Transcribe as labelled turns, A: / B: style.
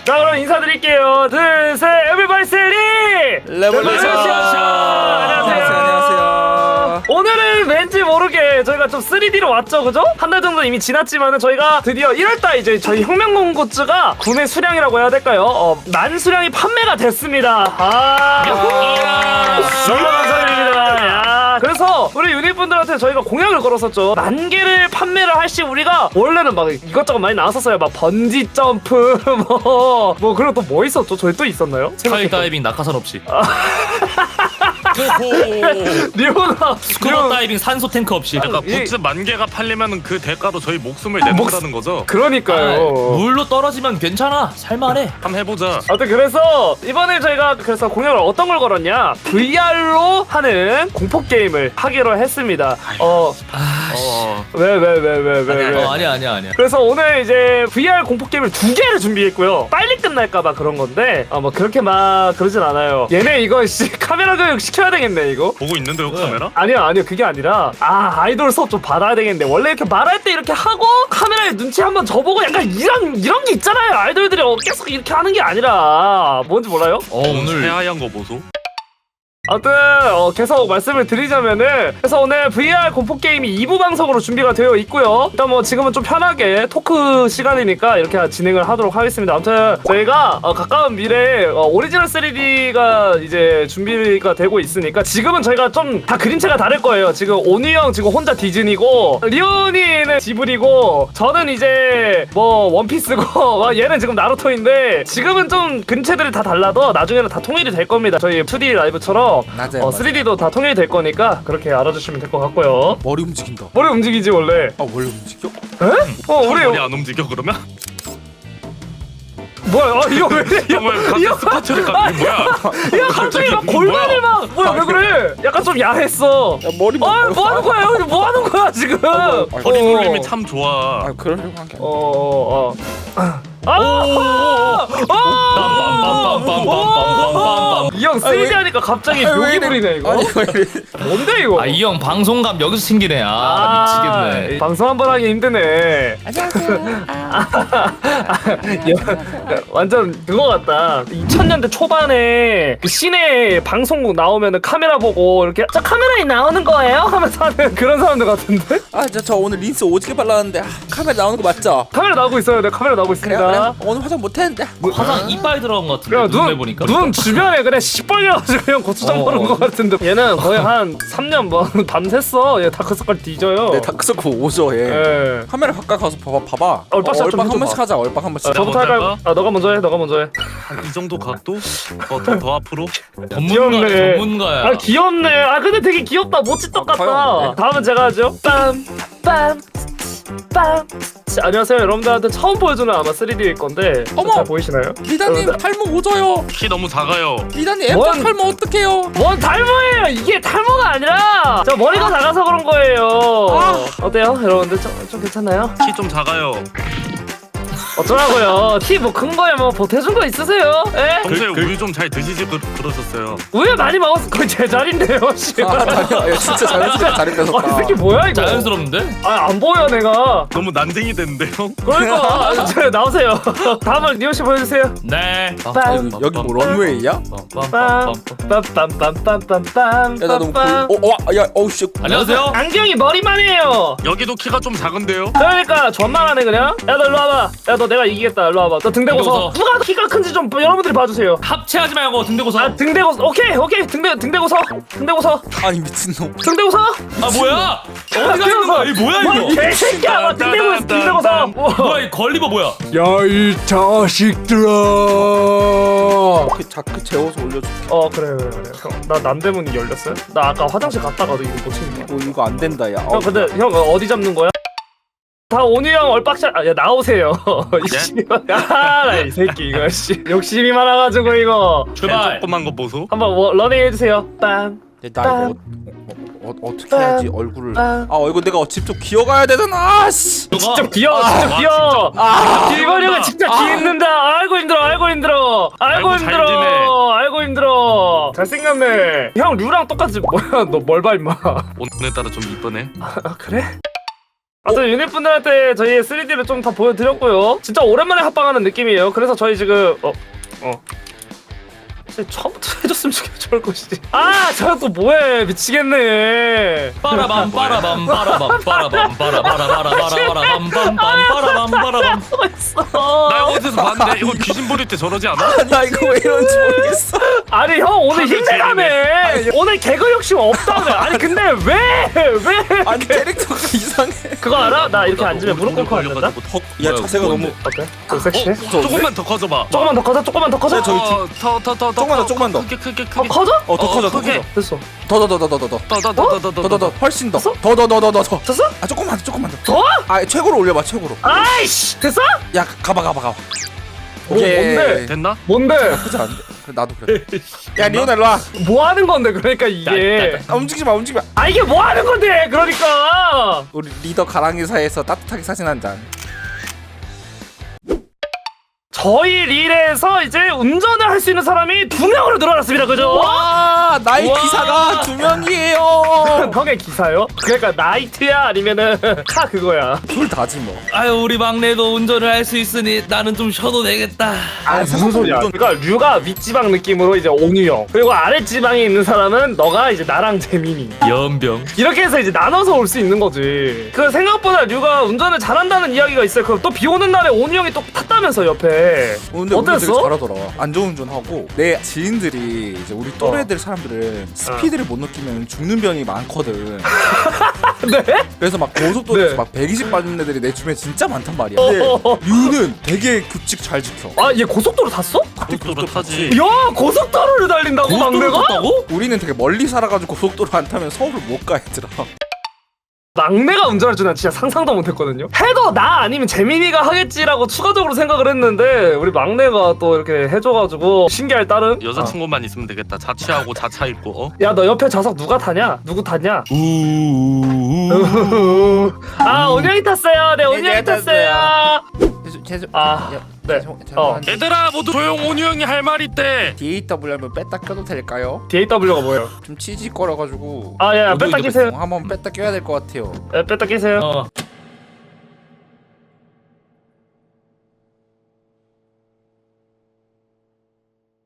A: 자 그럼 인사드릴게요. 둘셋 에브리바디 세리
B: 레볼루션. 안녕하세요.
A: 오늘은 왠지 모르게 저희가 좀 3D로 왔죠, 그죠? 한 달 정도 이미 지났지만은 저희가 드디어 1월달 이제 저희 혁명공 굿즈가 구매 수량이라고 해야 될까요? 만 수량이 판매가 됐습니다. 너무 감사드립니다. 야, 그래서 우리 유닛분들한테 저희가 공약을 걸었었죠. 만 개를 판매를 할 시 우리가 원래는 막 이것저것 많이 나왔었어요. 막 번지 점프 뭐 그리고 또 뭐 있었죠? 저희 또 있었나요?
C: 스카이다이빙 낙하산 없이
A: 리오나
C: 스쿠버 다이빙 산소 탱크 없이
D: 그러니까 굿즈 만 개가 팔리면 그 대가로 저희 목숨을 내놓는다는 거죠?
A: 그러니까요.
C: 물로 떨어지면 괜찮아 살만해.
D: 한번 해보자.
A: 아무튼 그래서 이번에 저희가 그래서 공약을 어떤 걸 걸었냐, VR로 하는 공포 게임을 하기로 했습니다. 왜?
C: 아니야
A: 그래서 오늘 이제 VR 공포 게임을 2개를 준비했고요. 빨리 끝날까봐 그런 건데 뭐 그렇게 막 그러진 않아요. 얘네 이거 카메라 교육 시켜야 되겠네 이거.
D: 보고 있는데요 카메라?
A: 아니요 그게 아니라 아이돌 수업 좀 받아야 되겠는데, 원래 이렇게 말할 때 이렇게 하고 카메라에 눈치 한번 줘보고 약간 이런 게 있잖아요. 아이돌들이 계속 이렇게 하는 게 아니라 뭔지 몰라요?
C: 오늘
D: 새하얀 거 보소.
A: 아무튼 계속 말씀을 드리자면은, 그래서 오늘 VR 공포 게임이 2부 방송으로 준비가 되어 있고요. 일단 뭐 지금은 좀 편하게 토크 시간이니까 이렇게 진행을 하도록 하겠습니다. 아무튼 저희가 가까운 미래에 오리지널 3D가 이제 준비가 되고 있으니까, 지금은 저희가 좀 다 그림체가 다를 거예요. 지금 온유 형 지금 혼자 디즈니고, 리온이는 지브리고, 저는 이제 뭐 원피스고 얘는 지금 나루토인데, 지금은 좀 그림체들이 다 달라도 나중에는 다 통일이 될 겁니다. 저희 2D 라이브처럼 3D도 다 통일이 될 거니까 그렇게 알아주시면 될 것 같고요.
B: 머리 움직인다.
A: 머리 움직이지 원래.
B: 원래 움직여?
A: 에?
D: 머리
A: 우리
D: 안 움직여 그러면?
A: 뭐야? 이거 왜 이래?
D: 정말 갑자기 스쿼트를 뭐야?
A: 야 갑자기 막 골반을 막 뭐야 왜 그래? 약간 좀 야했어.
B: 야, 머리
A: 뭐 하는 거야? 여기 뭐 하는 거야 지금?
D: 허리 눌림이 참 좋아.
B: 그러려고 한 게 아니야.
A: 이 형 3D 하니까 갑자기 묘기 부리네 이거.
B: 아니 왜 이래?
A: 뭔데 이거?
C: 이 형 방송감 여기서 챙기네. 미치겠네.
A: 방송 한 번 하기 힘드네. 완전 그거 같다. 2000년대 초반에 그 시내 방송국 나오면은 카메라 보고 이렇게 저 카메라에 나오는 거예요? 하면서 하는 그런 사람들 같은데?
B: 저 오늘 린스 오지게 발랐는데 카메라 나오는 거 맞죠?
A: 카메라 나오고 있어요. 네, 카메라 나오고 있습니다.
B: 그래? 오늘 화장 못했는데.
C: 화장 이빨 들어간 것 같은데.
A: 그래,
C: 눈에 보니까.
A: 눈 주변에 그래 시뻘겨가지고 그냥 고추장 바른 것 같은데, 얘는 거의 한 3년 뭐 밤샜어. 얘 다크서클 뒤져요.
B: 네, 다크서클 오죠 얘.
A: 예.
B: 카메라 가까이 가서 봐봐.
A: 얼빡샷 좀
B: 얼빡 한
A: 해줘봐.
B: 번씩 하자. 얼빡 한 번씩.
A: 저부터 할까요? 너가 먼저 해.
D: 이 정도 각도? 더 앞으로?
A: 귀엽네.
C: 전문가야.
A: 귀엽네. 근데 되게 귀엽다. 모찌떡 같다.
B: 귀여워.
A: 다음은 제가 하죠. 빰. 안녕하세요. 여러분들한테 처음 보여주는 아마 3D일 건데
B: 어머!
A: 잘 보이시나요?
B: 리다님 탈모 오져요.
D: 키 너무 작아요.
B: 리다님
A: 뭔?
B: M자 탈모 어떡해요?
A: 뭔 탈모예요? 이게 탈모가 아니라 저 머리가 작아서 그런 거예요. 어때요? 여러분들 좀 괜찮나요?
D: 키 좀 작아요.
A: 어쩌라고요? 티 뭐 큰 거에 뭐 보태준 거 있으세요? 에?
D: 평소에 우유 좀 잘 드시지 그러셨어요.
A: 우유 많이 먹었어. 거의 제 자리인데요. 씨.
B: 아니야. 진짜 잘했어. 자리
A: 이
B: 뺏었다.
A: 새끼 뭐야 이거?
C: 자연스러운데?
A: 안 보여 내가.
D: 너무 난쟁이 됐는데요?
A: 그러니까 나오세요. 다음은 리오 씨 보여주세요.
C: 네.
B: 여기 뭐 런웨이야?
A: 빰빰빰빰빰빰빰.
B: 야 나 너무 씨.
C: 안녕하세요.
A: 안경이 머리만 해요.
D: 여기도 키가 좀 작은데요?
A: 그러니까 존만하네 그냥. 야 너 일로 와봐. 야 너 내가 이기겠다. 일로 와봐. 너 등 대고 서.
C: 등대고 서.
A: 누가 키가 큰지 좀 여러분들이 봐주세요.
C: 합체하지 말고 등대고서.
A: 등 대고 오케이 등 대고 서. 등 대고 서.
B: 아니 미친놈.
A: 등 대고 서.
C: 뭐야? 어디 가는 거야? 이 뭐야 이거?
A: 개새끼야. 등 대고 서.
C: 뭐야 이 걸리버 뭐야?
B: 야 이 자식들아. 자크 재워서 올려줄게.
A: 그래. 나 남대문이 열렸어요? 나 아까 화장실 갔다가도 이거 못 챙긴 거야.
B: 이거 안 된다 야.
A: 형 근데 형 어디 잡는 거야? 다 온유 형 얼빡샷. 야 나오세요. 이 새끼 이거 씨 욕심이 많아가지고 이거.
C: 출발.
D: 조그만 거 보소.
A: 한번 러닝 해주세요. 빰.
B: 나 이거 어떻게 해야지 얼굴을. 이거 내가 직접 기어가야 되잖아. 씨.
A: 직접 귀여워. 이번 형은 직접 기있는다. 아이고 힘들어. 아이고 힘들어. 잘생겼네. 형 류랑 똑같이. 뭐야 너 뭘 봐 임마.
D: 오늘따라 좀 이쁘네.
A: 그래? 아무튼 유닛분들한테 저희의 3D를 좀 다 보여드렸고요. 진짜 오랜만에 합방하는 느낌이에요. 그래서 저희 지금 처음부터 해줬으면 좋을 것이지. 아, 저거 또 뭐해? 미치겠네.
C: 빠라밤 빠라밤 빠라밤 빠라밤 빠라바라바라바라바라밤 빰빰 빠라밤 빠라밤.
D: 나 어디서 봤는데 이거 귀신 부릴 때 저러지 않아?
B: 나 이거 왜 이런지 모르겠어.
A: 아니 형 오늘 힘내라며. 오늘 개그 욕심 없다며. 아니 근데 왜?
B: 아니 캐릭터가 이상해.
A: 그거 알아? 나 이렇게 앉으면 무릎 꿇고 앉는다.
B: 야 자세가 너무.
A: 어때? 좀 섹시해?
D: 조금만 더 커져봐.
A: 조금만 더 커져? 조금만 더 커져?
B: 저기
D: 더더더더
B: 조금만 더.
D: 크게
A: 더 커져?
B: 더 커져 더
D: 크게.
B: 커져.
A: 됐어.
D: 더더더더더더
B: 훨씬 더.
A: 됐어?
B: 더.
A: 됐어?
B: 아 조금만 더.
A: 더?
B: 아 최고로 올려봐 최고로.
A: 아이씨 됐어?
B: 야 가봐.
A: 뭔데?
D: 됐나?
A: 뭔데?
B: 나쁘지 않은데? 그래, 나도 그래. 야 리오나 일로 와.
A: 뭐 하는 건데 그러니까 이게
B: 아, 움직이지 마.
A: 아 이게 뭐 하는 건데 그러니까
B: 우리 리더 가랑이사에서 따뜻하게 사진 한 장.
A: 저희 릴에서 이제 운전을 할 수 있는 사람이 2명으로 늘어났습니다. 그죠?
B: 와 나의
C: 와.
B: 기사가 2명이에요.
A: 형의 기사요? 그러니까 나이트야 아니면은 카 그거야.
B: 둘 다지 뭐.
C: 아유 우리 막내도 운전을 할 수 있으니 나는 좀 쉬어도 되겠다.
A: 아 무슨 소리야? 그러니까 류가 윗지방 느낌으로 이제 온유형 그리고 아랫지방에 있는 사람은 너가 이제 나랑 재민이
C: 연병.
A: 이렇게 해서 이제 나눠서 올 수 있는 거지. 그 생각보다 류가 운전을 잘한다는 이야기가 있어요. 그럼 또 비 오는 날에 온유형이 또 탔다면서 옆에.
B: 근데 우리 되게
A: 어땠어?
B: 잘하더라. 안전운전하고 내 지인들이 이제 우리 또래들 사람들은 스피드를 못 느끼면 죽는 병이 많거든.
A: 네?
B: 그래서 막 고속도로에서
A: 네.
B: 막 120 받는 애들이 내 주변에 진짜 많단 말이야. 근데 류는 되게 규칙 잘 지켜.
A: 아 얘 고속도로 탔어?
D: 고속도로 타지.
A: 야 고속도로를 달린다고
C: 고속도로
A: 막내가?
C: 탔다고?
B: 우리는 되게 멀리 살아가지고 고속도로 안 타면 서울을 못 가 얘들아.
A: 막내가 운전할 줄 난 진짜 상상도 못했거든요. 해도 나 아니면 재민이가 하겠지라고 추가적으로 생각을 했는데 우리 막내가 또 이렇게 해줘가지고 신기할 따름.
D: 여자친구만 있으면 되겠다. 자취하고 자차 있고.
A: 야 너 옆에 좌석 누가 타냐? 누구 타냐? 아 온영이 탔어요. 네 온영이
B: 내가
A: 탔어요. 아, 네.
D: 얘들아 모두 조용. 온유 형이 할 말 있대.
B: DAW 하면 뺐다 껴도 될까요?
A: DAW가 뭐예요?
B: 좀 치지 거려가지고
A: 아 야 뺐다 끼세요.
B: 한번 뺐다 껴야 될 것 같아요.
A: 뺐다 끼세요.